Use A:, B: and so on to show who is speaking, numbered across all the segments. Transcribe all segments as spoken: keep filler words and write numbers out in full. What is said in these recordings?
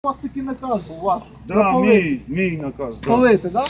A: У вас такий наказ був ваш.
B: Да, мій, мій наказ, да.
A: Палити, так?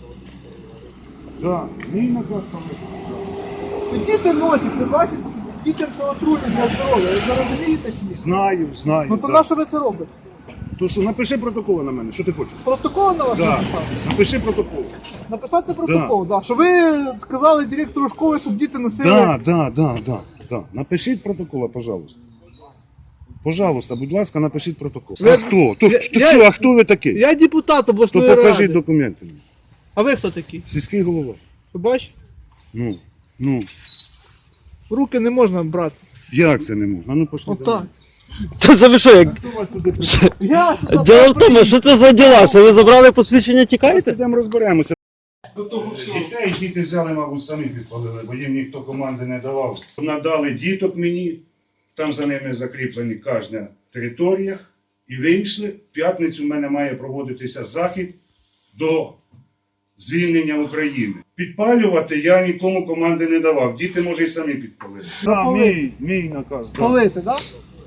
B: Да, мій наказ палити.
A: Да? Діти носять, ви бачите, що дітям це отруйне для здоров'я. Ви це розумієте чи ні?
B: Знаю, знаю.
A: Ну то
B: да.
A: на що ви це робите?
B: То що, напиши протокол на мене, що ти хочеш?
A: Протокол на вас
B: Да.
A: написати?
B: Напиши протокол.
A: Написати протокол, да. Що ви сказали директору школи, щоб діти носили...
B: Да, да, да, да, да. Напишіть протокол, пожалуйста. Пожалуйста, будь ласка, напишіть протокол.
A: Ви-
B: А хто? То,
A: Я-
B: то,
A: я-
B: що, а хто ви такий?
A: Я депутат
B: То
A: обласної
B: покажіть
A: ради.
B: документи.
A: А ви хто такий?
B: Сільський голова.
A: Ви бачите?
B: Ну, ну,
A: Руки не можна брати.
B: як це не можна? А ну пошли.
A: Отак.
C: Та це ви що, як...
B: Хто вас сюди прийшов?
A: Я сюди
C: Діло в тому, що це за діла? Що ви забрали посвідчення,
B: Зараз
C: тікаєте?
B: підемо розберемося. До того всього. Дітей діти взяли, мабуть, самі підпалили, бо їм ніхто команди не давав. Надали діток мені, там за ними закріплені кожна територія, і вийшли. В п'ятницю в мене має проводитися захід до звільнення України. Підпалювати я нікому команди не давав. Діти, може, і самі підпалили.
A: Да,
B: мій, мій наказ.
A: палити, так?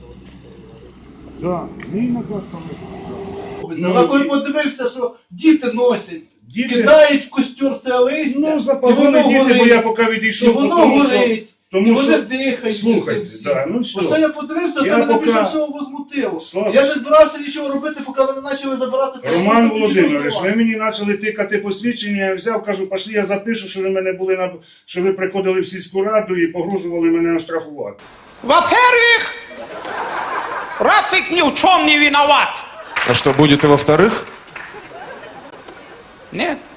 B: Да, мій наказ палити.
A: Ну, а коли подивився, що діти носять,
B: Діти,
A: кидають в костер це листя,
B: ну,
A: і
B: запалили
A: воно
B: діти, бо
A: горить,
B: я поки
A: і
B: відійшов,
A: воно
B: тому що...
A: горить, і
B: Тому
A: вони
B: що,
A: дихають.
B: слухайте,
A: всі.
B: да, ну все.
A: Оце я подивився,
B: Я
A: це мене
B: поки-
A: більше всього возмутило.
B: Слава
A: Я не
B: Богу.
A: збирався нічого робити, поки вони почали забирати це.
B: Роман
A: Тоді
B: Володимирович,
A: що
B: ви
A: давати?
B: мені почали тикати посвідчення, я взяв, кажу, пошли, я запишу, що ви мене були на що ви приходили в сільську раду і погрожували мене оштрафувати.
D: Во-первых, Рафик ни в чем не виноват.
E: А что будет и во-вторых?
D: Нет.